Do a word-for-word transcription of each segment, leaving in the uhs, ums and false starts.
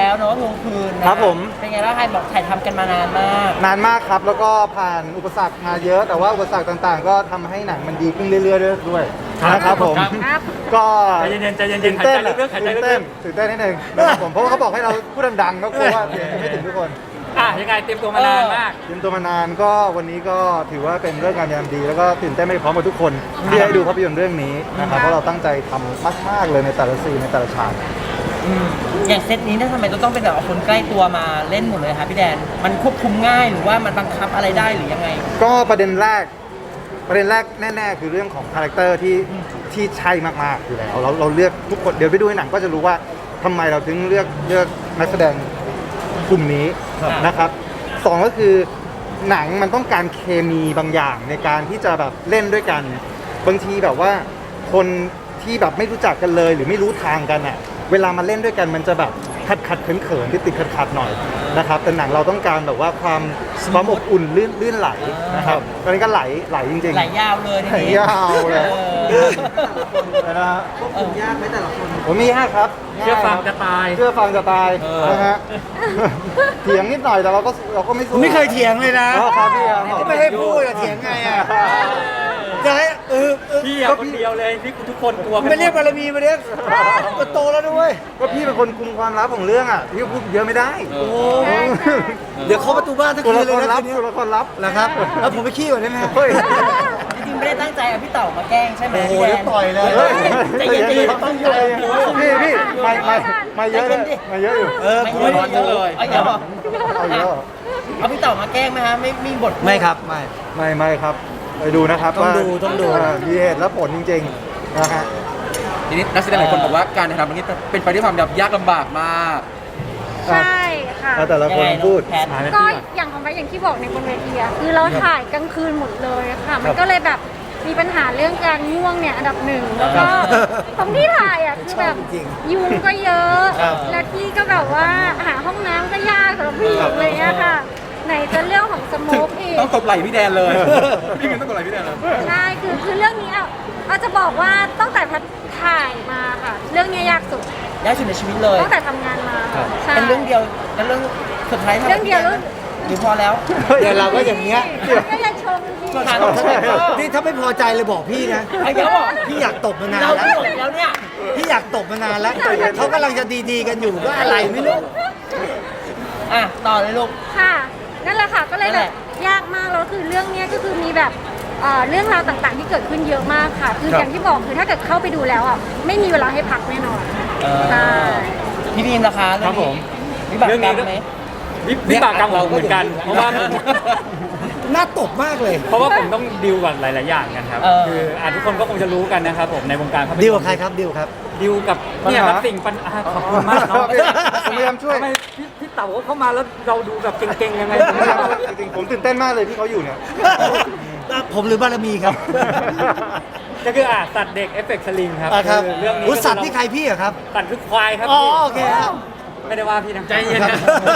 แล้วเนาะทวงคืนนะครับผมเป็นไงบ้างใครบอกถ่ายทำกันมานานมากนานมากครับแล้วก็ผ่านอุปสรรคมาเยอะ แต่ว่าอุปสรรคต่างๆ ก็ทำให้หนังมันดีขึ้นเรื่อยๆด้วยด้วยนะครับผมครับก็ใจเย็นๆใจเย็นๆตื่นเต้นหายใจลึกๆหายใจลึกๆตื่นเต้นตื่นเต้นนิดนึงนะครับผมเพราะว่าเขาบอกให้เราพูดดังๆก็กลัวว่าเสียงจะไม่ถึงทุกคนอ่ะยังไงเตรียมตัวมานานมากเตรียมตัวมานานก็วันนี้ก็ถือว่าเป็นเรื่องงานยามดี แล้วก็ตื่นเต้นไปพร้อมกับทุกคนที่ได้ดูภาพยนตร์เรื่องนี้นะครับเพราะเราตั้งใจทำมากๆเลยในแต่ละซีนในแต่ละฉากอืมอย่างเซตนี้เนี่ยทำไมต้องเป็นแบบเอาคนใกล้ตัวมาเล่นหมดเลยคะพี่แดน มันควบคุมง่ายหรือว่ามันบังคับอะไรได้หรือยังไงก็ประเด็นแรกประเด็นแรกแน่ๆ คือเรื่องของคาแรคเตอร์ที่ที่ใช่มากๆอยู่แล้วเราเราเลือกทุกคนเดี๋ยวไปดูในหนังก็จะรู้ว่าทำไมเราถึงเลือกเลือกนักแสดงกลุ่มนี้ครับนะครับสองก็คือหนังมันต้องการเคมีบางอย่างในการที่จะแบบเล่นด้วยกัน บางทีแบบว่าคนที่แบบไม่รู้จักกันเลยหรือไม่รู้ทางกันอ่ะเวลามาเล่นด้วยกันมันจะแบบขัดขัดเขินเขินที่ติดขัดขัดๆหน่อยนะครับแต่หนังเราต้องการแบบว่าความความอบอุ่นลื่นลื่นไหลนะครับตอนนี้ก็ไหลไหลจริงๆไหลยาวเลยทีไหลนี้ยาวเลยเออนะฮะควบคุมยากไหมแต่ละคนผมมียากครับเชื่อฟังง่ายจะตายเชื่อฟังจะตายเออนะฮะเถียงนิดหน่อยแต่เราก็เราก็ไม่ผมไม่เคยเถียงเลยนะอ๋อครับพี่ครับก็ไม่ให้พูดอะเถียงไงอะจะให้เออเออพี่อะคนเดียวเลยที่ทุกคนกลัวกันหมดไม่เรียกบารมีมาเรียกก็โตแล้วด้วยก็พี่เป็นคนคุมความลับของเรื่องอ่ะพี่พูดเยอะไม่ได้โอ้เดี๋ยวเขาะประตูบ้านทั้งตัวคืละนเลคยรนะลับคืนนี้ตัวละครลับนะครับแล้วผมไปขี้ก่อนได้ไหมฮะเฮ้ยจริงๆไม่ได้ตั้งใจเอาพี่เต่ามาแกล้งใช่ไหมโอ้โหพี่แดเดี๋ยวน ต่อยเลยเฮ้ยใจเย็นใจเย็นตั้งใจพี่พี่ไม่ไม่ไม่เยอะเลยไม่เยอะอยู่เออไม่ผมไม่ไม่เยอะเลยเอาเยอะเอาเยอะเอาพี่เต่ามาแกล้งไหมฮะไม่มีบทพูดไม่ครับไม่ไม่ไม่ครับไปดูนะครับต้องว่าดูต้องดูามีเหตุและผลจริงๆนะฮะทีนี้นักแสดงหลายคนบอกว่าการถ่ายทำตรงนี้เป็นไปด้วยความยากลำบากมากใช่ค่ะแล้วแต่ละคนยังไงพูดแพทก็อย่างของไปอย่างที่บอกในบนเวทีอะคือเราถ่ายกลางคืนหมดเลยค่ะ มันก็เลยแบบมีปัญหาเรื่องการง่วงเนี่ยอันดับหนึ่งแล้วก็ตรงที่ถ่ายอ่ะคือแบบชอบจริงยุงก็เยอะครับและที่ก็แบบว่าหาห้องน้ำก็ยากสำหรับผู้หญิงเลยอะค่ะ ไหนจะเรื่องของสโมกอีกต้องตบไหล่พี่แดนเลย พี่มินต้องตบไหล่พี่แดนเลยใช่คือคือเรื่องนี้อ่ะอาจจะบอกว่าตั้งแต่แพทถ่ายมาค่ะ เรื่องนี้ยากสุดยากสุดในชีวิตเลยตั้งแต่ทำงานมาใช่เป็นเรื่องเดียวเป็นเรื่องสุดท้ายทำเรื่องเดียวเรื่องหรือพอแล้วเดี๋ยวเราก็อย่างเงี้ยก็อย่าชมพี่ผ่านมาเท่าไหร่ก็นี่ถ้าไม่พอใจเลยบอกพี่นะไอ้เดี๋ยวบอกพี่อยากตบมานานเราแล้วพูดแล้วเนี่ยพี่อยากตบมานานแล้วเขากำลังจะดีๆกันอยู่ก็อะไรไม่รู้อ่ะต่อเลยลูกค่ะนั่นแหละค่ะก็เลยนั่นแบแหบละยากมากแล้วคือเรื่องเนี้ยก็คือมีแบบเอ่อเรื่องราวต่างๆ ที่เกิดขึ้นเยอะมากค่ะ คือครับอย่างที่บอกคือถ้าเกิดเข้าไปดูแล้วอ่ะไม่มีเวลาให้พักแน่นอนเออใช่พี่บีมราคาครับผมวิบากเรื่องกรนี้รมก็ไหมวิวิบากกรรมของผมเหมือนกัน เพราะว่าน่าตบมากเลยเพราะว่าผมต้องดิวกับหลาย ๆ อย่างกันครับเออคืออ่ะทุกคนก็คงจะรู้กันนะครับผมในวงการภาพยนตร์ดีลกับใครครับดีลครับดิวกับเนี่ยครับสิ่งปัญหาขอบคุณมากเนาะผมพยายามช่วยทำไมพี่พี่เต๋าเข้ามาแล้วเราดูแบบเก่ง ๆ ยังไงผมไม่ไม่เอารู้จริงๆผมตื่นเต้นมากเลยที่เขาอยู่เนี่ยผมหรือบารมีครับก็คืออ่ะสัตว์เด็กเอฟเฟกต์สลิงครับอ่ะครับอเรื่องนี้อุ๊ยสัตว์ที่ใครพี่อะครับสัตว์คือควายครับอ๋อพี่โอเคครับไม่ได้ว่าพี่นะใจเย็นครันะ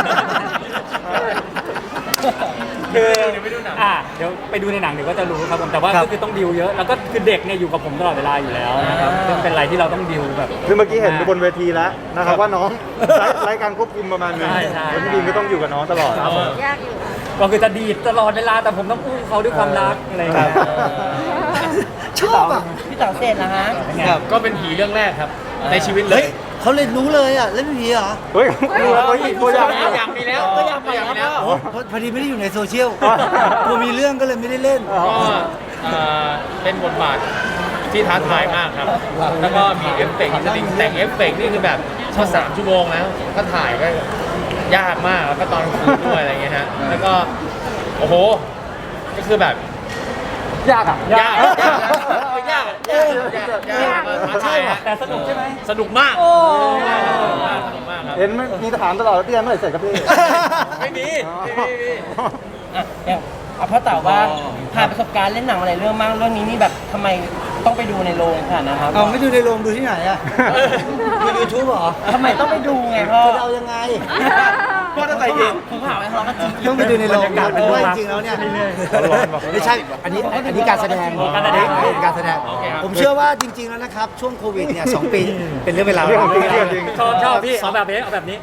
บคืออ่ะเดี๋ยวไปดูในหนังเดี๋ยวก็จะรู้ครับผมแต่ว่าครับก็คือต้องดิวเยอะแล้วก็คือเด็กเนี่ยอยู่กับผมตลอดเวลาอยู่แล้วนะครับซึ่งเป็นอะไรที่เราต้องดิวแบบคือเมื่อกี้เห็นบนเวทีแล้วนะครับว่าน้องไร้ไร้การควบคุมประมาณนึงใช่ใช่แล้วพี่บีมก็ต้องอยู่กับน้องตลอดครับผมยากอยู่ก็คือจะดีดตลอดเวลาแต่ผมต้องอุ้มเขาด้วยความรักอะไรอย่างเงี้ยครับชอบอ่ะพี่เต๋าเสร็จนะฮะครับก็เป็นผีเรื่องแรกครับ ในชีวิตเลเฮ้ยยเขาเลยรู้เลยอ่ะเล่นเป็นผีเหรอเฮ้ยดูแล้วเขาอีกตัวอย่างอยากมีแล้วก็อยากไปแล้วโอ้พอพอดีไม่ได้อยู่ในโซเชียลกลัวมีเรื่องก็เลยไม่ได้เล่นอ๋อก็เอ่อเป็นบทบาทที่ท้าทายมากครับ แล้วก็มีเอฟเฟกต์จริงๆแต่งเอฟเฟกต์นี่คือแบบก็สามชั่วโมงแล้วก็ถ่ายก็ยากมากแล้วก็ตอนกลางคืนด้วยอะไรเงี้ยฮะ แล้วก็ โอ้โห ก็คือแบบยากอ่ะยากยากยากยากยากยากท้าทายฮะแต่สนุกใช่ไหมสนุกมากโอ้สนุกมากสนุกมากครับเห็นไหมมีถามตลอดว่าพี่แอนเมื่อไหร่เสร็จครับพี่ไม่มีไม่มีไม่มีอ่ะอย่างเอาพ่อเต๋าว่าผ่านประสบการณ์เล่นหนังมาหลายเรื่องมากเรื่องนี้นี่แบบทำไมต้องไปดูในโรงขนาดนะครับเอาไม่ดูในโรงดูที่ไหนอ่ะดูยูทูบเหรอทำไมต้องไปดูไงพ่อจะเอายังไงพ่อต้องไปดูผมถามไอ้ทะเลาะกันจริงต้องไปดูในโรงบรรยากาศเพราะว่าจริงๆแล้วเนี่ยไม่ใช่ อันนี้อันนี้การแสดงการแสดงเป็นการแสดง ผมเชื่อว่าจริง ๆแล้วนะครับ ช่วงโควิดเนี่ยสองปีเป็นเรื่องเวลาเรื่องของจริงเรื่องจริงชอบชอบพี่เอาแบบนี้เอาแบบนี้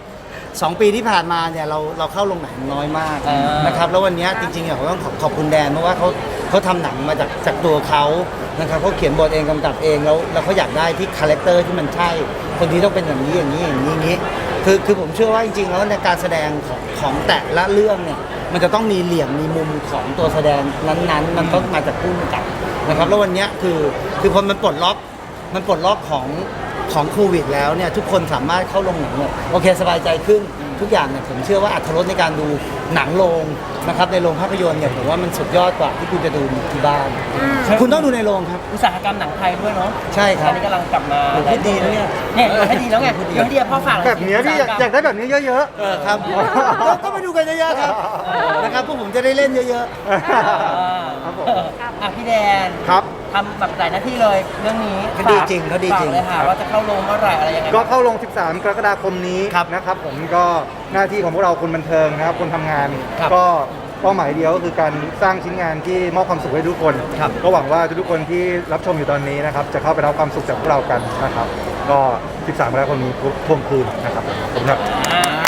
สองปีที่ผ่านมาเนี่ยเราเราเข้าโรงหนังน้อยมากอ่านนะครับแล้ววันเนี้ยจริงๆเนี่ยผมต้องขอบขอบคุณแดนเพราะว่าเขาเขาทำหนังมาจากจากตัวเขานะครับเขาเขียนบทเองกำกับเองแล้วแล้วเขาอยากได้ที่คาแรคเตอร์ที่มันใช่คนที่ต้องเป็นอย่างนี้อย่างนี้อย่างนี้อย่างนี้คือคือผมเชื่อว่าจริงๆแล้วในการแสดงของของแต่ละเรื่องเนี่ยมันจะต้องมีเหลี่ยมมีมุมของตัวแสดงนั้นๆ มันต้องมาจากผู้กำกับนะครับแล้ววันเนี้ยคือคือพอมันปลดล็อกมันปลดล็อกของของโควิดแล้วเนี่ยทุกคนสามารถเข้าโรงหนังเนี่ยโอเคสบายใจขึ้นทุกอย่างเนี่ยผมเชื่อว่าอรรถรสในการดูหนังโรงนะครับในโรงภาพยนตร์เนี่ยผมว่ามันสุดยอดกว่าที่คุณจะดูที่บ้าน คุณต้องดูในโรงครับอุตสาหกรรมหนังไทยด้วยเนาะใช่คตรัอบ นนี้กำลังกลับมาโอ้โหพูดดีนะเนี่ยเนี่ยให้ดีแล้วไงเดี๋ยวให้ดีพ่อฝากหน่อยแบบเนี้ยพี่อยากอยากได้แบบนี้เยอะเออครับก็ก็มาดูกันเยอะๆครับนะครับพวกผมจะได้เล่นเยอะอ่าครับผมอ่ะพี่แดนๆครับทำแบบหลายหน้าที่เลยเรื่องนี้เขาดีจริงเขาดีจริงฝกเลยค่ะว่าจะเข้าโรงเมื่อไหร่อะไรยังไงก็เข้าลง สิบสาม กรกฎาคมนี้ครับนะครับผมก็หน้าที่ของพวกเราคนบันเทิงนะครับคนทำงานครับก็เป้าหมายเดียวก็คือการสร้างชิ้นงานที่มอบความสุขให้ทุกคนครับก็หวังว่าทุกๆคนที่รับชมอยู่ตอนนี้นะครับจะเข้าไปรับความสุขจากพวกเรากันนะครับ ก็ สิบสาม กรกฎาคมนี้ทวงคืนนะครับผมขอบคุณครับอ่า